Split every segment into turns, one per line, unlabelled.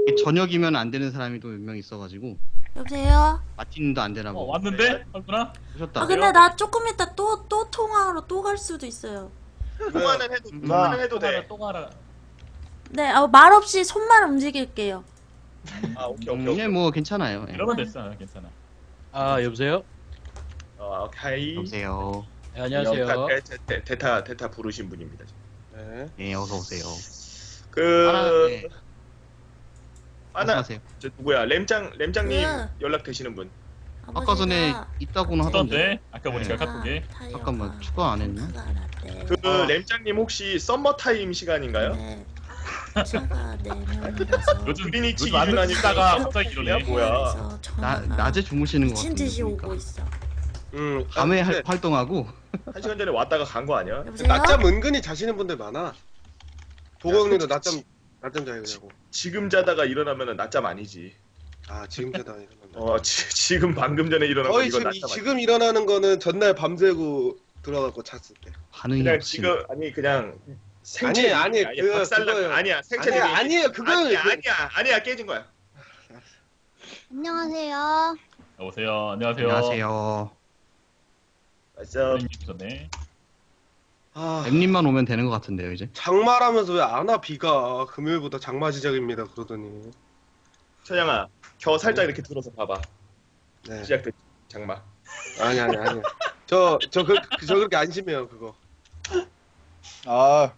저녁이면 안 되는 사람이 또 몇 명 있어가지고
여보세요?
마틴도 안 되라고.
왔는데? 왔구나?
오셨다.
아 근데 나 조금 이따 또 통화하러 또 갈 수도 있어요.
통화는 해도 돼.
똥하라.
네, 말 없이 손만 움직일게요.
아 오케이.
예, 뭐 괜찮아요. 예.
이러면 됐어. 괜찮아.
아 여보세요?
오케이.
여보세요.
네, 안녕하세요.
대타 부르신 분입니다. 네.
예, 어서 오세요.
그 하나
말씀하세요.
저 누구야? 램장님
네.
연락 되시는 분.
아까 전에 있다고는 하던데.
하던데? 아까 보니까 카톡에.
잠깐만, 추가 안 했나?
그 램장님 혹시 썸머 타임 시간인가요?
네. 차가 4명이라서
요즘
그리니치
요즘 안
기준
듣다가
아니까
갑자기 이러네.
뭐야?
낮에 주무시는 것
미친
같은데.
듯이 오고
보니까.
있어.
밤에 활동하고.
한 시간 전에 왔다가 간 거 아니야?
여보세요?
낮잠 은근히 자시는 분들 많아. 보고 형님도 낮잠 자요 그냐고.
지금 자다가 일어나면은 낮잠 아니지.
아 지금 자다 일어난다.
지금 방금 전에 일어난 거
거의
이건
지금
낮잠 아니지.
지금 일어나는 거는 전날 밤새고 들어가고 잤을 때.
반응이
그냥
없이.
지금 그냥 생체
아니,
박살나
그거요.
아니야 생체
아니에요 그거는
아니야 깨진 거야.
안녕하세요.
여보세요. 안녕하세요.
안녕하세요.
맞아.
전에.
아
엠님만 오면 되는 것 같은데요, 이제.
장마라면서 왜 안 와 비가 금요일부터 장마 시작입니다 그러더니.
천양아 겨 살짝 이렇게 들어서 봐봐.
네.
시작됐지 장마.
아니. 저 그렇게 안심해요 그거.
아,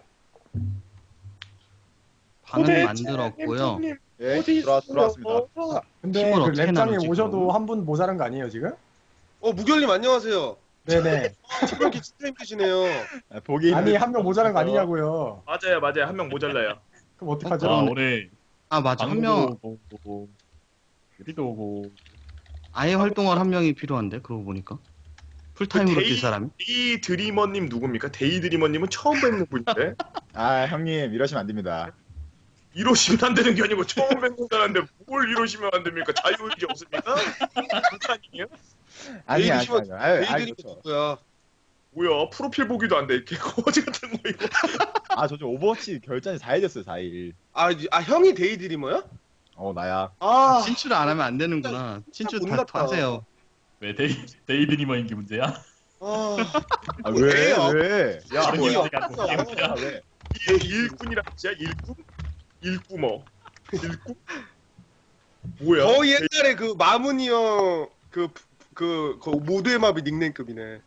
반응 만들었고요.
예, 들어왔습니다.
근데
힘을
그
어떻게
랩장님
나누지,
오셔도
그럼?
한 분 모자란 거 아니에요 지금?
무결님 안녕하세요.
네네.
지금 기차 힘드시네요.
보기
아니 한 명 모자란 거 아니냐고요.
맞아요 한 명 모자라요.
그럼 어떡하죠?
아, 올해
아, 맞아. 한 명,
오고 우리도 오고.
아예 활동할 한 명이 필요한데, 그러고 보니까. 풀타임으로 뛸 사람이?
데이 드리머님 누굽니까? 데이 드리머님은 처음 뵙는 분인데
아, 형님 이러시면 안 됩니다.
이러시면 안 되는 게 아니고 처음 뵙는 사람인데 뭘 이러시면 안 됩니까? 자유의지 없습니까? 북한이에요?
아니, 아니,
내일
아니. 아유,
내일이
그렇죠.
누구야?
뭐야 프로필 보기도 안 돼 이렇게 거지 같은 거 이거.
아, 저 좀 오버워치 결전이 4일 됐어요, 4일.
아 형이 데이드리머야?
나야.
아
친추를 안 하면 안 되는구나. 친추 다
몰랐다.
하세요.
왜 데이드니머인 게 문제야?
아.
아,
왜요?
왜? 야,
아,
뭐야?
뭐야?
아, 왜?
일꾼이라 진짜 일꾼? 일꾼어. 일꾼? 뭐야?
거의 옛날에 그 마문이 형 그 모두의 마비 닉네임급이네.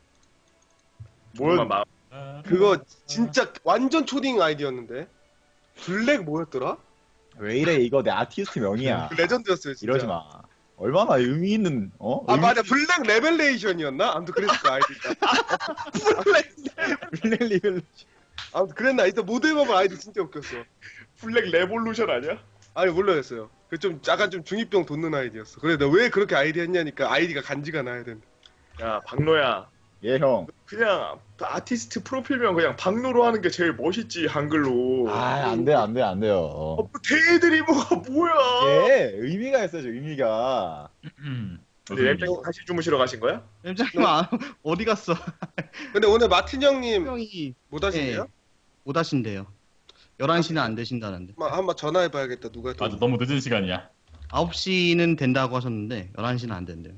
뭐야? 마
그거 진짜 완전 초딩 아이디였는데. 블랙 뭐였더라?
왜 이래? 이거 내 아티스트 명이야.
그 레전드였어요 진짜.
이러지 마. 얼마나 의미 있는
아 맞아 블랙 레벨레이션이었나? 아무튼 그랬을 거 아이디가.
블랙 리벨.
아무튼 그랬나? 이때 모두의 마비 아이디 진짜 웃겼어.
블랙 레볼루션 아니야?
아니 몰라였어요. 그 좀 약간 좀 중이병 돋는 아이디였어. 그래 내가 왜 그렇게 아이디 했냐니까 아이디가 간지가 나야 된다.
야 박노야.
예, 형.
그냥 아티스트 프로필명 그냥 박노로 하는 게 제일 멋있지 한글로.
아, 안 돼, 안 돼, 안 돼요.
뭐 데이드리머가 뭐야?
예, 의미가 있어요, 의미가.
근데 램장님 다시 주무시러 가신 거야?
엠장님 어디 갔어?
근데 오늘 마틴 형님
형이
못 하신대요?
못 하신대요. 11시는 안 되신다는데.
한번 전화해봐야겠다. 누가 또.
맞아, 너무 늦은 시간이야.
9시는 된다고 하셨는데 11시는 안 된대요.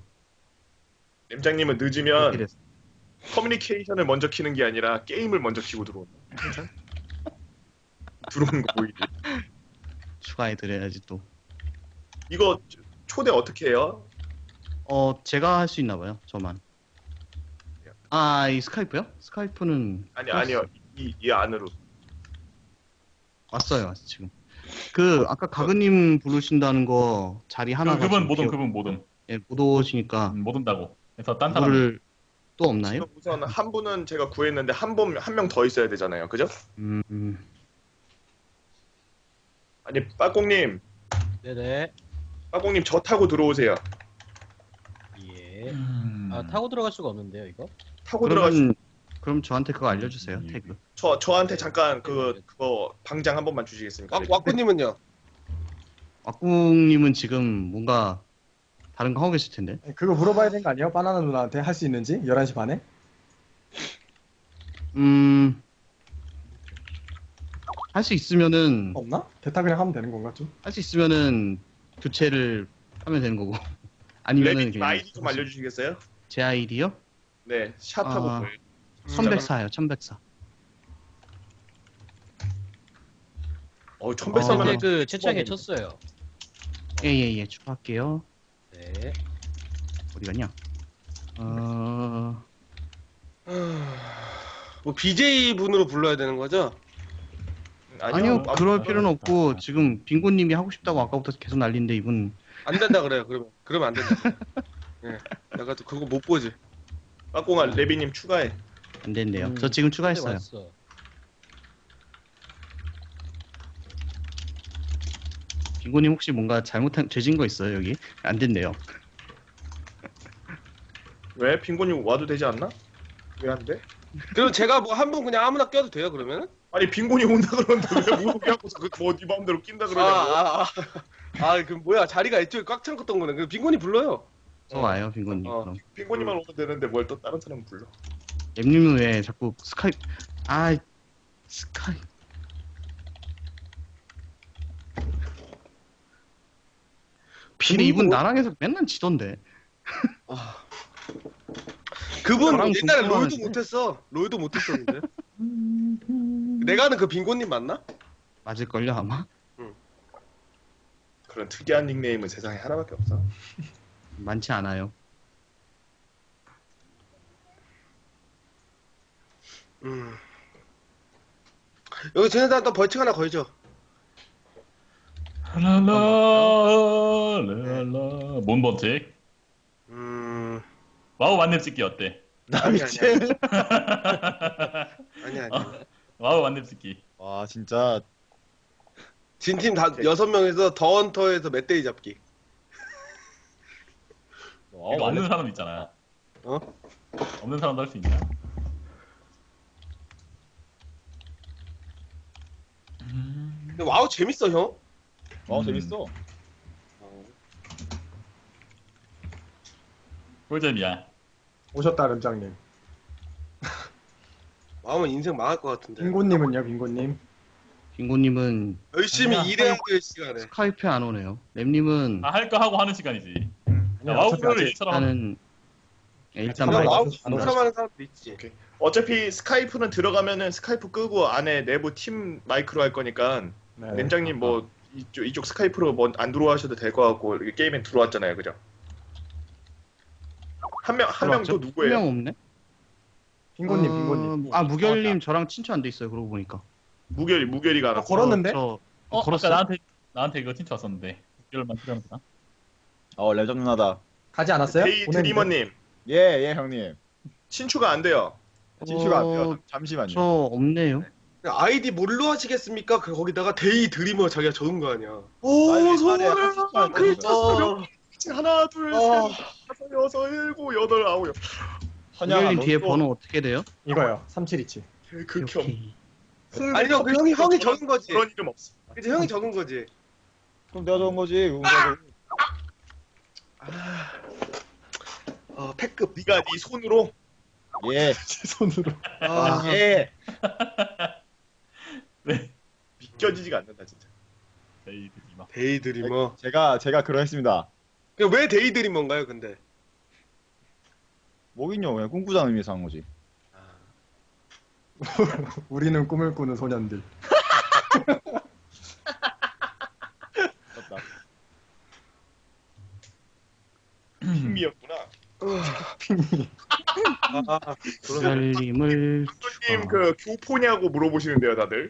램장님은 늦으면
이랬어.
커뮤니케이션을 먼저 키는 게 아니라 게임을 먼저 키고 들어온다. 들어오는 거 보이지?
추가해 드려야지 또.
이거 초대 어떻게 해요?
제가 할 수 있나 봐요. 저만. 아, 이 스카이프요? 스카이프는
아니요. 이 안으로.
왔어요, 지금. 그 아까 가그님 부르신다는 거 자리 하나
그분 모든.
예, 못 오시니까
못 온다고. 그래서 딴 사람.
물을 또 없나요?
지금 우선 한 분은 제가 구했는데 한 명 더 있어야 되잖아요. 그죠? 아니 빠꽁님
네네.
저 타고 들어오세요.
예. 아 타고 들어갈 수가 없는데요, 이거?
타고 들어가시.
그럼 저한테 그거 알려주세요. 태그.
저한테 잠깐 그거 방장 한 번만 주시겠습니까?
왁구님은요?
왁궁님은 지금 뭔가 다른 거 하고 계실 텐데.
그거 물어봐야 되는 거 아니에요? 바나나 누나한테 할 수 있는지? 11시 반에?
할 수 있으면은
없나? 대타 그냥 하면 되는 건가 좀?
할 수 있으면은 교체를 하면 되는 거고 아니면은
레비님
그냥
아이디 좀 알려주시겠어요?
제 아이디요?
네, 샷하고
아.
뭐예요?
1104요 1104.
1104면
근데 그 채팅에 쳤어요.
예예예 추가할게요.
네.
어디 갔냐?
뭐 BJ 분으로 불러야 되는 거죠?
아니요 그럴 필요는 없고 지금 빙고님이 하고 싶다고 아까부터 계속 난리인데 이분
안 된다 그래요. 그러면 안 된다. 예. 내가 또 그거 못 보지.
빠꽁아 레비님 추가해.
안 된대요. 저 지금 추가했어요.
왔어.
빙고님 혹시 뭔가 잘못한 죄진 거 있어요 여기? 안 된대요.
왜? 빙고님 와도 되지 않나? 왜 안 돼?
그럼 제가 뭐 한 분 그냥 아무나 껴도 돼요 그러면은?
아니 빙고님 온다 그러는데 왜 물고기 하고서 그뭐네 마음대로 낀다 그러냐고.
그럼 뭐야 자리가 이쪽에 꽉 찬 거네. 그럼 빈곤이 불러요.
저 와요 빙고님.
어.
그럼
빙고님만 오면 되는데 뭘 또 다른 사람 불러.
엠님은 왜 자꾸 스카이 근데 이분 나랑 해서 맨날 지던데.
그분
나랑
옛날에 롤도
동등하는데?
못했어. 롤도 못했었는데. 내가 아는 그 빈곤님 맞나?
맞을걸요 아마?
그런 특이한 닉네임은 세상에 하나밖에 없어.
많지 않아요.
여기 쟤네들 또 벌칙 하나 걸죠.
랄랄랄라. 뭔 번칙? 와우 만렙 찍기 어때?
나
아니,
미친.
아니.
와우 만렙 찍기.
와 진짜
진팀 다 6명에서 더 헌터에서 멧돼지 잡기.
이거 없는 사람 있잖아.
어?
없는 사람도 할 수 있냐?
근데 와우 재밌어 형.
재밌어.
꿀잼이야.
오셨다 lem장님.
와우면 인생 망할 것 같은데.
빙고님은요 빙고님?
빙고님은
열심히
아니야.
일해야 될 시간에.
스카이프에 안 오네요. 램님은
다 할 거 하고 하는 시간이지.
아니야,
와우
어차피
프로를
아직-
일처럼 하는.
일단은 일단
그냥
말
와우
안
사람 하는 사람도 있지.
오케이. 어차피 스카이프는 들어가면은 스카이프 끄고 안에 내부 팀 마이크로 할 거니까
네.
램장님 뭐 이쪽 스카이프로 뭐 안 들어와셔도 될 것 같고 이렇게 게임에 들어왔잖아요, 그죠? 한 명 또 누구예요?
한명 없네.
빙고님 빙고님.
무결님 저랑 친추 안 돼 있어요. 그러고 보니까.
무결이가 안 왔어.
걸었는데?
저
걸었어.
걸었어.
나한테 이거 친추 왔었는데. 이걸만 필요하면 되나?
레전 누나다.
가지 않았어요?
데이
보냈는데?
드리머님
예 형님.
친추가 안 돼요.
진슈가 안 돼요. 잠시만요.
저 없네요.
아이디 뭘로 하시겠습니까? 거기다가 데이 드리머 자기가 적은 거 아니야.
빨리
소원을
빨리
글자
하나, 둘, 셋, 다섯, 여섯, 일곱, 여덟, 아홉.
무결님 뒤에 번호 어떻게 돼요?
이거요. 3727.
극혐.
오케이.
아니 형, 그 형이 적은 거지.
그런 이름 없어.
그치 형이 적은 거지.
그럼 내가 적은 거지.
패급.
네가 네 손으로
예.
제 손으로.
예.
네.
믿겨지지가 않는다 진짜.
데이들이 막.
데이 드리머.
제가 그러했습니다.
왜 데이 드리머인가요, 근데?
뭐긴요. 그냥 꿈꾸자는 의미에서 한 거지.
우리는 꿈을 꾸는 소년들.
맞다.
힘이었구나.
무결님을
감독님 그 교포냐고 물어보시는데요, 다들.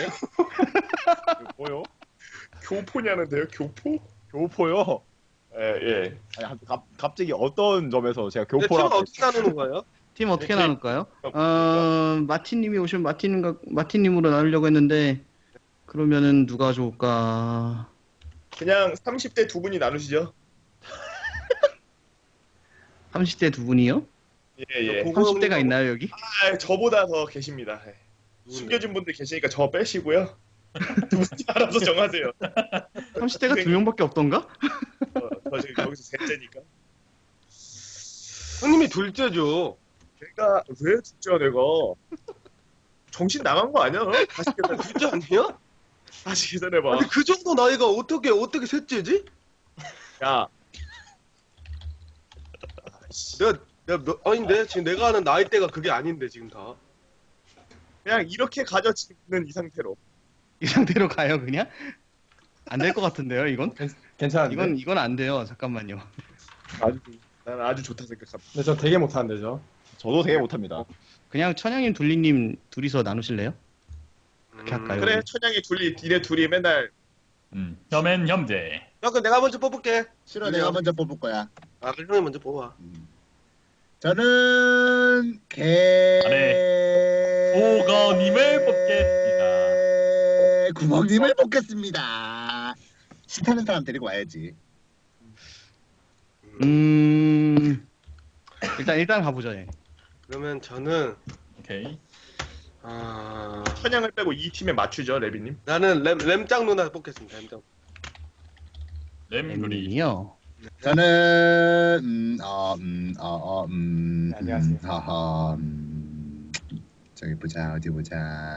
뭐요?
교포냐는데요, 교포?
교포요?
예.
아니, 갑자기 어떤 점에서 제가
근데 팀은
교포라고
어떻게 나누는 거예요?
팀 어떻게
이렇게-
나눌까요? 마틴님이 오시면 마틴님으로 나누려고 했는데 그러면은 누가 좋을까?
그냥 30대 두 분이 나누시죠.
30대 두 분이요?
예.
30대가 있나요 여기?
아, 저보다 더 계십니다. 예. 숨겨진 분들 계시니까 저 빼시고요. 두 분이 알아서 정하세요.
30대가 두 명밖에 없던가?
저 지금 여기서 셋째니까.
형님이 둘째죠.
제가 왜 진짜 내가 정신 나간 거 아니야? 다시 계산.
진짜 아니야?
다시 계산해봐.
아니 그 정도 나이가 어떻게 셋째지?
야,
내가 아닌데 지금 내가 아는 나이대가 그게 아닌데 지금 다.
그냥 이렇게 가져지는 이 상태로.
이 상태로 가요 그냥? 안 될 것 같은데요 이건?
괜찮은데?
이건 안 돼요. 잠깐만요.
나는 아주 좋다 생각합니다.
근데 저 되게 못하는데 저.
저도 되게 못합니다.
그냥 천양님 둘리님 둘이서 나누실래요? 그렇게 할까요?
그래, 천양이 둘이, 니네 둘이 맨날
혐엔 혐제.
야 그럼 내가 먼저 뽑을게.
싫어, 내가 먼저 뽑을 거야.
아 그럼 형이 먼저 뽑아.
저는 개
오거님을 뽑겠습니다.
구멍님을 뽑겠습니다. 싫다는 사람 데리고 와야지.
일단 가보죠. 예.
그러면 저는
오케이.
천양을 빼고 이 팀에 맞추죠, 레비님.
나는 램짱 누나 뽑겠습니다. 램짱.
램그리.
엠님이요.
저는
안녕하세요.
저기 보자 어디 보자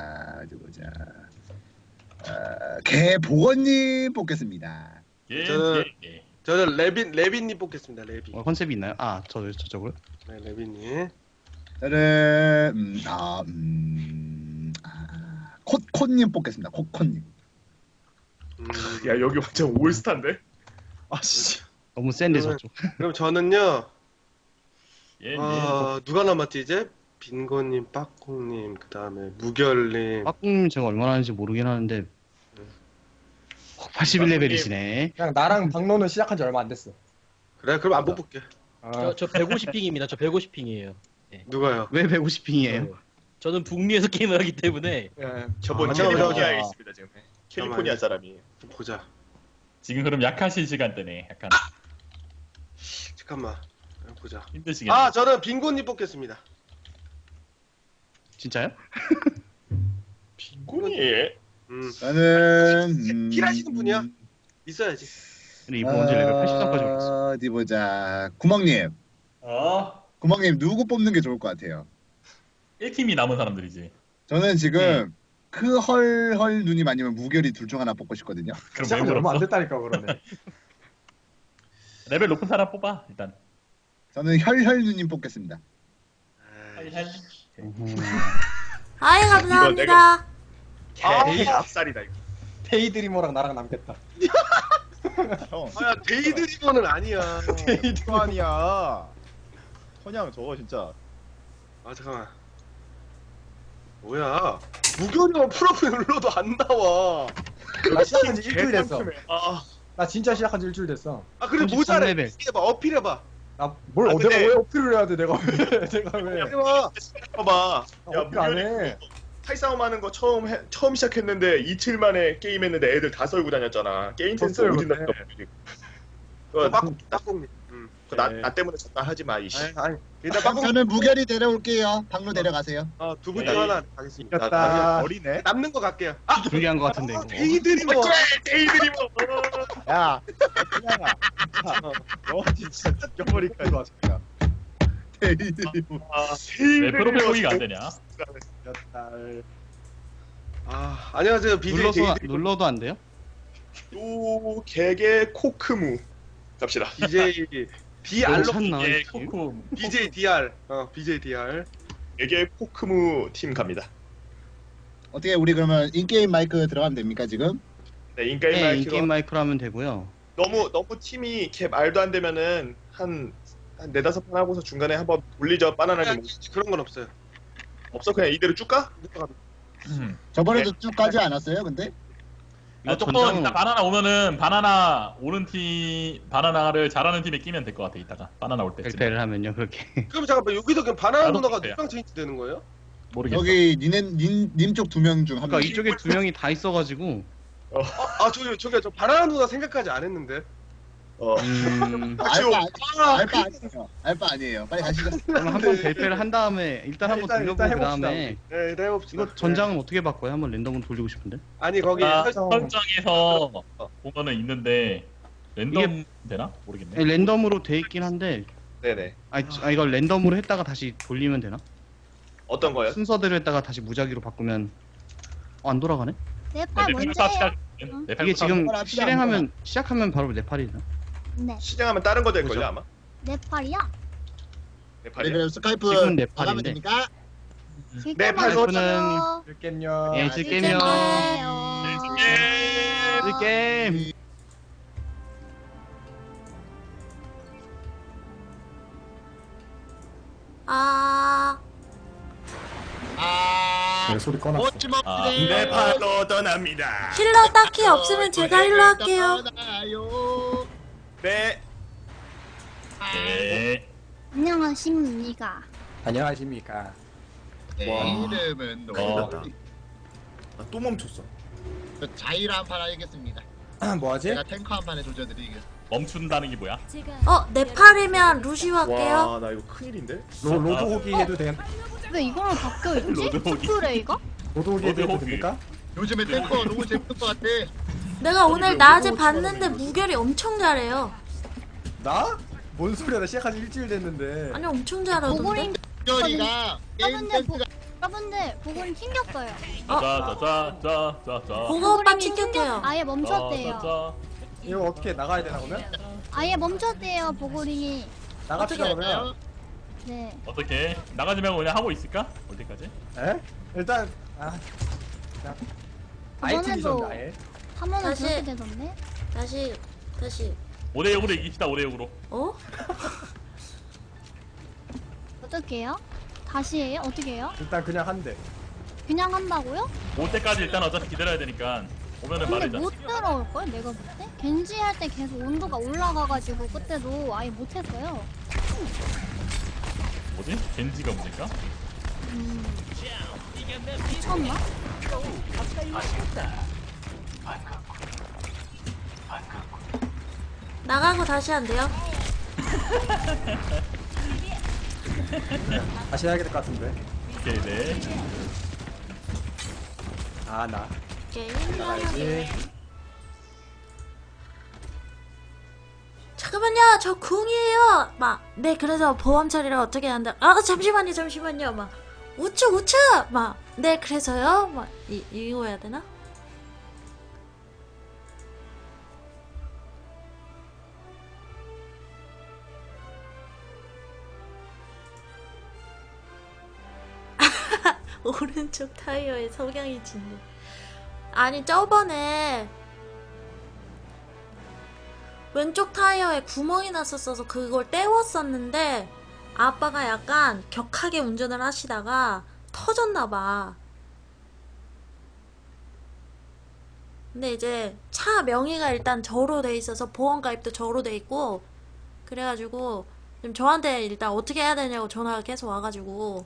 개 보건님 뽑겠습니다.
예,
저는-
예, 예.
저는 레빈님 뽑겠습니다. 레빈.
컨셉이 있나요? 저쪽으로.
네, 레빈님.
저는 콧님 뽑겠습니다. 콧님.
야, 여기 완전 올스타인데?
아씨.
너무 센데
그러면-
저쪽.
그럼 저는요.
예, 예.
누가 남았지 이제? 빈고님, 빠콩님, 그 다음에 무결님.
빠꿍님 제가 얼마나 하는지 모르긴 하는데 81레벨이시네.
그냥 나랑 박노는 시작한 지 얼마 안 됐어.
그래, 그럼 안 뽑을게.
저 150핑입니다. 저 150핑이에요.
누가요?
왜 150핑이에요?
저는 북미에서 게임을 하기 때문에
저번
아,
캘리포니아에
아,
있습니다, 지금. 캘리포니아 사람이.
좀 보자.
지금 그럼 약하신 시간대네. 약간
잠깐만. 보자.
힘드시겠네.
저는 빈고님 뽑겠습니다.
진짜요?
빈곤이.
저는
힐하시는 분이야? 있어야지.
근데 이번 언제 레벨 83까지 올랐어?
어디 보자. 구멍님. 구멍님 누구 뽑는 게 좋을 것 같아요?
1팀이 남은 사람들이지.
저는 지금 크헐헐 누님 아니면 무결이 둘 중 하나 뽑고 싶거든요.
그럼 왜
시작한 지 얼마 안
물었어?
됐다니까 그러네.
레벨 높은 사람 뽑아 일단.
저는 혈혈 누님 뽑겠습니다.
아이 감사합니다.
앞살이다, 이거.
데이드리머랑 나랑 남겠다.
형.
야, 데이드리버는 아니야.
그거 아니야. 천양 저거 진짜.
잠깐만. 뭐야? 무결이만 프로필 눌러도 안 나와.
나 시작한 지 일주일 됐어.
아,
나 진짜 시작한 지 일주일 됐어.
그래
33
모자래.
레벨.
해봐, 어필해봐.
내가
근데-
왜 어필을 해야 돼? 내가 왜? 내가 왜?
해봐.
봐봐.
나 어필 안 해.
탈싸움하는 거 처음 시작했는데 이틀 만에 게임했는데 애들 다 썰고 다녔잖아. 게임 센스
졌어요,
어디
근데.
났어?
딱콩님.
나 때문에 졌다 하지 마, 이씨.
아니. 일단 빠콩.
저는 무결이 데려올게요. 박로 데려가세요.
두분 중 하나 가겠습니다.
이겼다.
어리네.
남는 거 갈게요.
불리한 것 같은데 이거.
데이드리버.
데이드리버.
야. 천양아. 너 진짜 죽여버릴까 진짜.
데이드리버.
왜 프로필 보기가 안 되냐?
이겼다.
안녕하세요. BJ 데이드리버.
눌러도 안 돼요?
또 개개 코크무 갑시다.
BJ DR.
괜찮나?
예, 코코.
BJ DR. BJ DR.
개개 코크무 팀 갑니다.
어떻게 우리 그러면 인게임 마이크 들어가면 됩니까 지금?
네, 인게임
네,
마이크가
인게임 마이크로 하면 되고요.
너무 팀이 이렇게 말도 안 되면은 한 4-5판 하고서 중간에 한번 돌리죠. 바나나님
그런 건 없어요.
없어? 그냥 이대로 쭉 가?
저번에도 쭉 가지 않았어요? 근데
이거
조금
전장
이따 바나나 오면은 바나나 오는 팀 바나나를 잘하는 팀에 끼면 될 것 같아. 이따가 바나나 올 때쯤.
벨페를 하면요 그렇게.
그럼 잠깐만 여기서 그냥 바나나
나도
누나가
그래요.
누구랑 체인지 되는 거예요?
모르겠어.
여기 님 쪽 2명 중 한
그러니까
명.
이쪽에 두 명이 다 있어가지고.
저기요 저 바나나 누나 생각까지 안 했는데.
알바 아니에요. 알바 아니에요. 빨리 가시죠.
그럼 한번 벨페를 한 다음에 일단 한번
일단
돌려보고 그
해봅시다,
다음에
네, 일단 해봅시다.
이거 전장은 어떻게 바꿔요? 한번 랜덤으로 돌리고 싶은데.
아니 거기
설정에서 보면은 있는데 랜덤 되나? 모르겠네.
네, 랜덤으로 돼 있긴 한데.
네네.
이걸 랜덤으로 했다가 다시 돌리면 되나?
어떤 거요?
순서대로 했다가 다시 무작위로 바꾸면 안 돌아가네?
네팔
내
먼저예요.
시작.
이게
내
지금
합시다,
실행하면 시작하면 바로 네팔이나?
네,
시장하면 다른 거 될 걸요
뭐죠?
아마.
네팔이요?
네,
네팔이요.
그럼 스카이프
지금은
나가면
네팔인데.
됩니까?
네팔
스카이프는
들게요.
예, 질게임이요. 이 게임.
아,
아,
소리 꺼놨어.
멋지먹네.
네팔로 떠납니다.
힐러 딱히 없으면 제가 힐러 할게요.
떠나요.
네.
네.
안녕하십니까.
안녕하십니까.
내 이름은
어.
노.
또 멈췄어.
자일 한판 하겠습니다.
뭐하지?
제가 탱커 한 판에 조져드리겠습니다.
멈춘다는 게 뭐야?
네팔이면 루시오 할게요.
와, 나 이거 큰일인데?
로드 호기 해도 돼.
왜 이걸로 바뀌어있지?
로드호기.
투플레이가?
로드 호기 해도
로드 호기.
됩니까?
요즘에 탱커 너무 재밌을 것 같아.
내가 오늘 낮에 봤는데 무결이 엄청 잘해요.
나? 뭔 소리야? 나 시작한 지 일주일 됐는데.
아니 엄청 잘하던데.
보고링
열이가 게임
여러분들
센스가
여러분들 보고링 튕겼어요.
자자자자자자.
보고 오빠
보고링이
튕겼대요.
아예 멈췄대요.
자자자.
이거 어떻게 나가야 되나 그러면?
아예 멈췄대요 보고링이.
나갑시다
어떻게
그러면.
네.
어떻게 나가지 말고 그냥 하고 있을까? 올 때까지?
에? 일단 그냥 아이템 좀 아예.
한 번은
다시.
그렇게 되던데?
다시
5대 6으로 이깁시다. 5대 6으로.
어?
어떻게 해요? 다시 해요? 어떻게 해요?
일단 그냥 한 대.
그냥 한다고요?
올 때까지 일단 어차피 기다려야 되니까 오면은
근데
말이자.
못 들어올걸? 내가 볼 때? 겐지 할 때 계속 온도가 올라가가지고 그때도 아예 못했어요.
뭐지? 겐지가 문제인가?
미쳤나?
나가고 다시 한대요.
다시 해야 될 것 같은데.
오케이 네.
나.
게임
나가야지.
잠깐만요, 저 궁이에요. 네, 그래서 보험 처리를 어떻게 한다. 잠시만요. 우측. 네, 그래서요. 이거 해야 되나? 오른쪽 타이어에 석양이 진네. 아니, 저번에 왼쪽 타이어에 구멍이 났었어서 그걸 떼웠었는데 아빠가 약간 격하게 운전을 하시다가 터졌나봐. 근데 이제 차 명의가 일단 저로 돼 있어서 보험가입도 저로 돼 있고 그래가지고 지금 저한테 일단 어떻게 해야 되냐고 전화가 계속 와가지고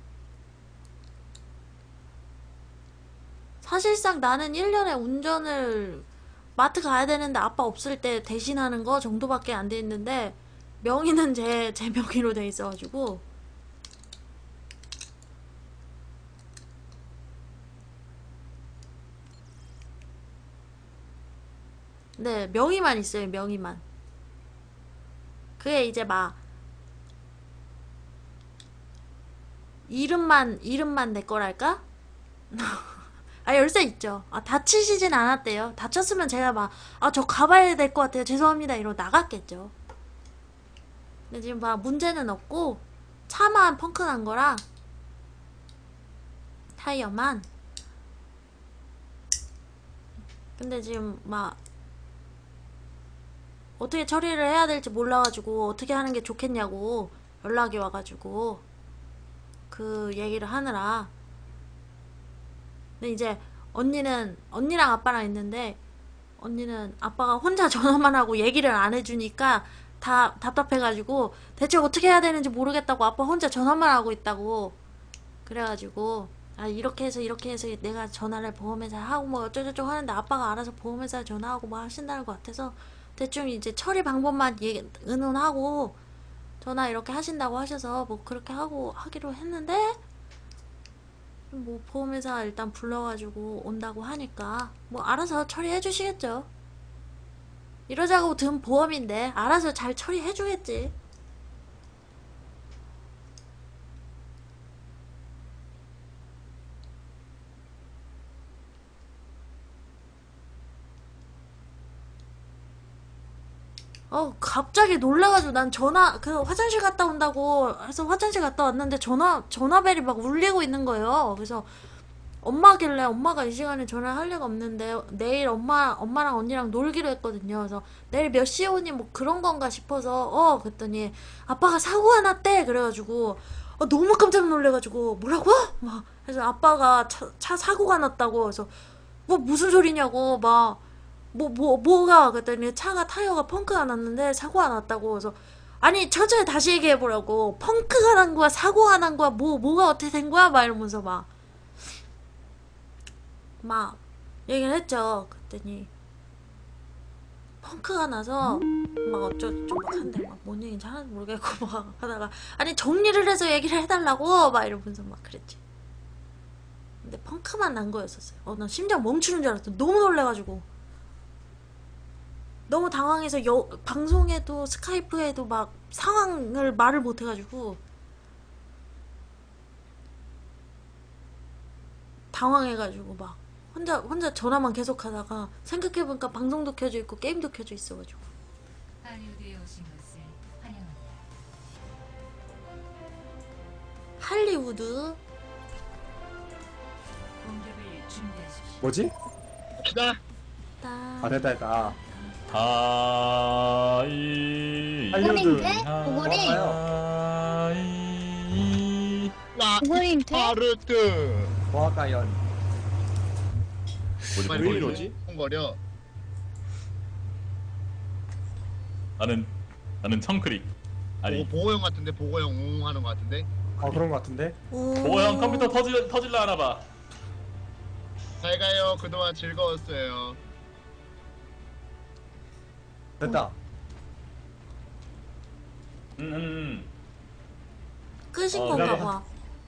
사실상 나는 1년에 운전을 마트 가야 되는데 아빠 없을 때 대신하는 거 정도밖에 안 돼 있는데 명의는 제 명의로 돼 있어가지고 네 명의만 있어요. 명의만. 그게 이제 이름만 내 거랄까? 열쇠 있죠. 다치시진 않았대요. 다쳤으면 제가 저 가봐야 될 것 같아요. 죄송합니다. 이러고 나갔겠죠. 근데 지금 문제는 없고, 차만 펑크 난 거라, 타이어만. 근데 지금 어떻게 처리를 해야 될지 몰라가지고, 어떻게 하는 게 좋겠냐고 연락이 와가지고, 그 얘기를 하느라. 근데 이제 언니랑 아빠랑 있는데 언니는 아빠가 혼자 전화만 하고 얘기를 안 해주니까 다 답답해가지고 대체 어떻게 해야 되는지 모르겠다고 아빠 혼자 전화만 하고 있다고 그래가지고 이렇게 해서 내가 전화를 보험회사에 하고 어쩌고저쩌고 하는데 아빠가 알아서 보험회사에 전화하고 하신다는 것 같아서 대충 이제 처리 방법만 의논하고 전화 이렇게 하신다고 하셔서 그렇게 하기로 했는데 보험회사 일단 불러가지고 온다고 하니까 알아서 처리해 주시겠죠. 이러자고 든 보험인데 알아서 잘 처리해 주겠지. 갑자기 놀라가지고 난 화장실 갔다 온다고 해서 화장실 갔다 왔는데 전화벨이 막 울리고 있는 거예요. 그래서 엄마길래 엄마가 이 시간에 전화를 할 리가 없는데 내일 엄마랑 언니랑 놀기로 했거든요. 그래서 내일 몇 시에 오니 뭐 그런 건가 싶어서 그랬더니 아빠가 사고가 났대. 그래가지고 너무 깜짝 놀래가지고 뭐라고? 막 그래서 아빠가 차 사고가 났다고. 그래서 뭐 무슨 소리냐고 막 뭐가 그랬더니 차가 타이어가 펑크가 났는데 사고가 났다고. 그래서 아니 천천히 다시 얘기해보라고. 펑크가 난 거야 사고가 난 거야 뭐가 어떻게 된 거야 막 이러면서 막 얘기를 했죠. 그랬더니 펑크가 나서 막 어쩌고저쩌고 막 한데 막 뭔 얘기인지 하나도 모르겠고 막 하다가 아니 정리를 해서 얘기를 해달라고 막 이러면서 막 그랬지. 근데 펑크만 난 거였었어요. 난 심장 멈추는 줄 알았어. 너무 놀래가지고 너무 당황해서 방송에도 스카이프에도 막 상황을 말을 못해가지고 당황해가지고 막 혼자 전화만 계속 하다가 생각해보니까 방송도 켜져 있고 게임도 켜져 있어가지고.
할리우드에 오신 것을 환영합니다.
할리우드?
공격을 준비하십시오.
뭐지?
기다.
됐다.
할리우드. 오거리. 오거리 돼?
파르트.
보아가연.
왜 이러지?
거려.
나는 청크릭. 아니
보고형 같은데 보고형 웅 하는 것 같은데.
그런 거 같은데?
보고형 컴퓨터 터질라 하나 봐.
잘 가요. 그동안 즐거웠어요.
됐다.
끄신 건가 봐.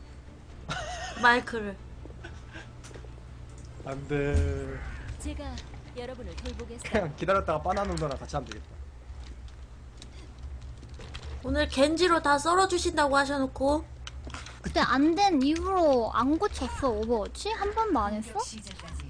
마이크를.
안 돼.
제가 여러분을 돌보겠습니다.
그냥 기다렸다가 바나나 누나랑 같이 하면 되겠다.
오늘 겐지로 다 썰어주신다고 하셔놓고
그때 안 된 이후로 안 고쳤어 오버워치? 한 번도 안 했어?
시작까지